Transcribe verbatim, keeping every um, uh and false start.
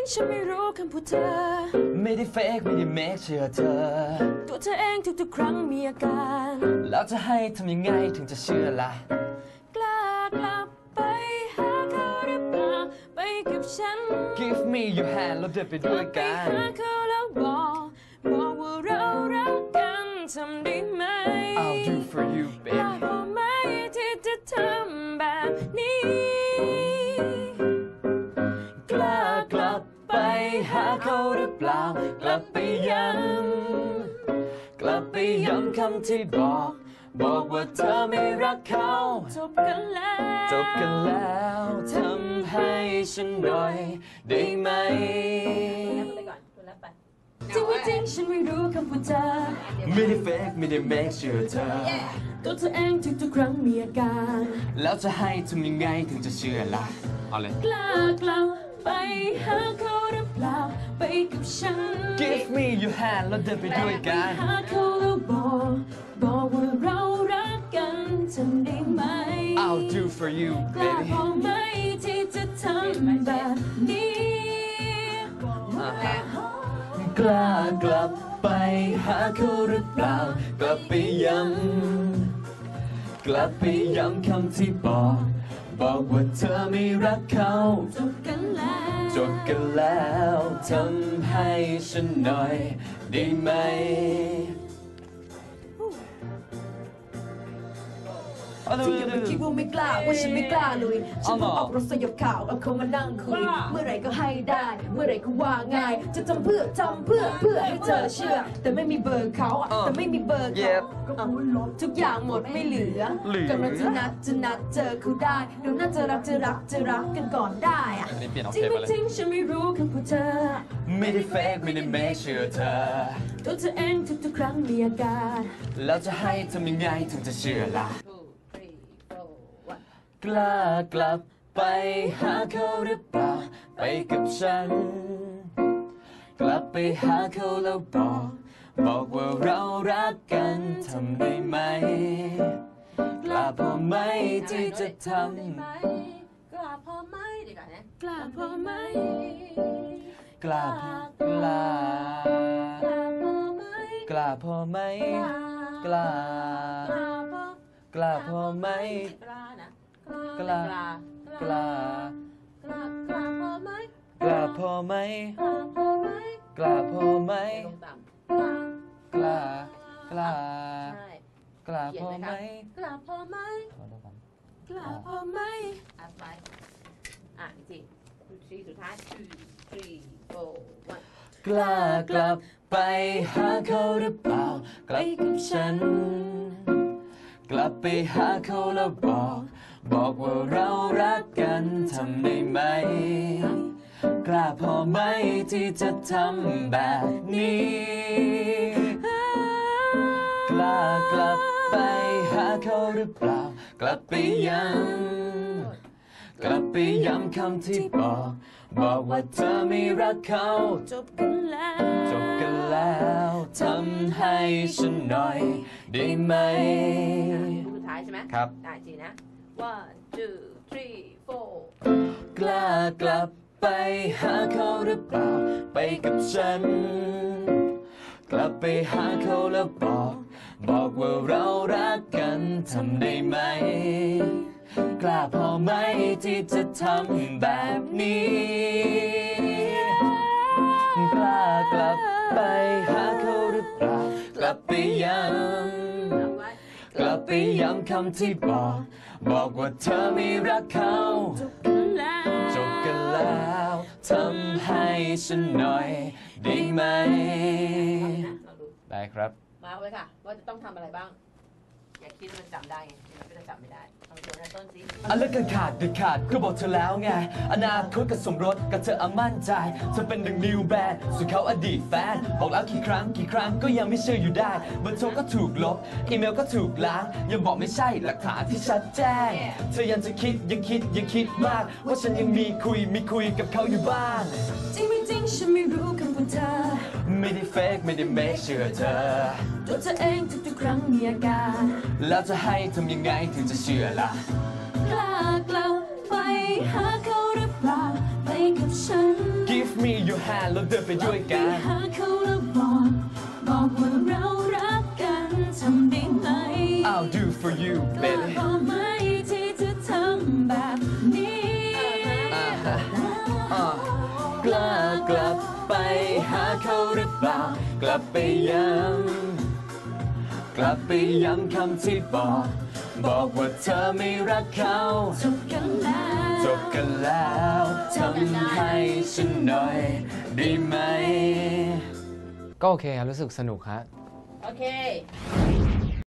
ฉันไม่รู้คำพูดเธอไม่ได้เฟกไม่ได้เมคเชื่อเธอตัวเธอเองทุกๆครั้งมีอาการแล้วจะให้ทำยังไงถึงจะเชื่อล่ะกล้ากลับไปหาเขาหรือเปล่าไปกับฉัน Give me your hand แล้วเดินไปด้วยกันไปหาเขาแล้วบอกบอกว่าเรารักกันทำได้ไหม I'll do for you กล้า baby พอไหมที่จะทำแบบนี้กล้ากลับไปหาเขาหรือเปล่ากลับไปย้ำกลับไปย้ำคำที่บอกบอกว่าเธอไม่รักเขาจบกันแล้วจบกันแล้วทำให้ฉันหน่อยได้ไหมจริงไม่จริงฉันไม่รู้คำพูดเธอไม่ได้เฟกไม่ได้เมคเชื่อเธอตัวเธอเองทุกๆครั้งมีอาการแล้วจะให้ทำยังไงถึงจะเชื่อล่ะเอาเลยกล้ากลับไปหาเขาหรือเปล่าไปกับฉัน Give me your hand แล้วเดินไปด้วยกันหาเขาแล้วบอกบอกว่าเรารักกันทำได้ไหม I'll do for you กล้า baby พอไหมที่จะทำแบบนี้กล้ากลับไปหาเขาหรือเปล่ากลับไปย้ำกลับไปย้ำคำที่บอกบอกว่าเธอไม่รักเขาจบกันแล้วจบกันแล้วทำให้ฉันหน่อยได้ไหมที่ยังไม่คิดว่าไม่กล้าว่าฉันไม่กล้าเลยฉันต้องออกรถสยบข่าวเอาเขามานั่งคุยเมื่อไหร่ก็ให้ได้เมื่อไหร่ก็ว่าง่ายจะทำเพื่อทำเพื่อเพื่อให้เธอเชื่อแต่ไม่มีเบอร์เขาแต่ไม่มีเบอร์เขาทุกอย่างหมดไม่เหลือกำลังจะนัดจะนัดเจอเขาได้เดี๋ยวน่าจะรักจะรักจะรักกันก่อนได้จริงไม่จริงฉันไม่รู้คำพูดเธอไม่ได้เฟกไม่ได้เมคเชื่อเธอตัวเธอเองทุกๆครั้งมีอาการแล้วจะให้ทำยังไงถึงจะเชื่อล่ะกล้ากลับไปหาเขาหรือเปล่าไปกับฉันกลับไปหาเขาแล้วบอกบอกว่าเรารักกันทำได้ไหมกล้าพอไหมที่จะทำกล้าพอไหมดีกว่านะกล้าพอไหมกล้ากล้ากล้าพอไหมกล้ากล้าพอไหมกล้ากล้ากล้าพอไหมกล้าพอไหมกล้าพอไหมกล้ากล้ากล้าพอไหมกล้าพอไหมกล้าพอไหมอ่ะไปอ่ะจริงทีสุดท้าย two three four one กล้ากลับไปหาเขาหรือเปล่าไปกับฉันกลับไปหาเขาแล้วบอกบอกว่าเรารักกันทำได้ไหมกล้าพอไหมที่จะทำแบบนี้กล้ากลับไปหาเขาหรือเปล่ากลับไปย้ำกลับไปย้ำคำที่บอกบอกว่าเธอไม่รักเขาจบกันแล้วจบกันแล้วทำให้ฉันหน่อยได้ไหมสุดท้ายใช่ไหมครับได้จริงนะone two three four กล้ากลับไปหาเขาหรือเปล่าไปกับฉันกลับไปหาเขาแล้วบอกบอกว่าเรารักกันทำได้ไหมกล้าพอไหมที่จะทำแบบนี้กล้ากลับไปหาเขาหรือเปล่ากลับไปย้ำกลับไปย้ำคำที่บอกบอกว่าเธอไม่รักเขาจบกันแล้วจบกันแล้วทำให้ฉันหน่อยได้ไหมได้ครับมาไว้ค่ะว่าจะต้องทำอะไรบ้างอย่าคิดว่ามันจำได้ไงมันก็จะจำไม่ได้เอาเดี๋ยวนะต้นสิอันเลิกกันขาดเด็ดขาดก็บอกเธอแล้วไงอนาคตกับสมรสกับเธออามั่นใจเธอเป็นดังนิวแบนด์ส่วนเขาอดีตแฟนบอกแล้วกี่ครั้งกี่ครั้งก็ยังไม่เชื่ออยู่ได้เบอร์โทรก็ถูกลบอีเมลก็ถูกล้างยังบอกไม่ใช่หลักฐานที่ชัดแจ้งเธอยังจะคิดยังคิดยังคิดมากว่าฉันยังมีคุยมีคุยกับเขาอยู่บ้างจริงไม่จริงฉันไม่รู้คำพูดเธอไม่ได้เฟกไม่ได้เมคเชื่อเธอตัวเธอเองทุกๆครั้งมีอาการแล้วจะให้ทำยังไงถึงจะเชื่อล่ะกล้ากลับไปหาเขาหรือเปล่าไปกับฉัน Give me your hand แล้วเดินไปด้วยกันไปหาเขาแล้วบอกบอกว่าเรารักกันทำได้ไหม I'll do for you กล้า baby พอไหมที่จะทำแบบนี้อ่าฮะอ่ากล้ากลับไปหาเขาหรือเปล่ากลับไปย้ำกลับไปย้ำคำที่บอก บอกว่าเธอไม่รักเขาจบกันแล้วจบกันแล้วทำให้ฉันหน่อยได้ไหมก็โอเคครับรู้สึกสนุกครับโอเค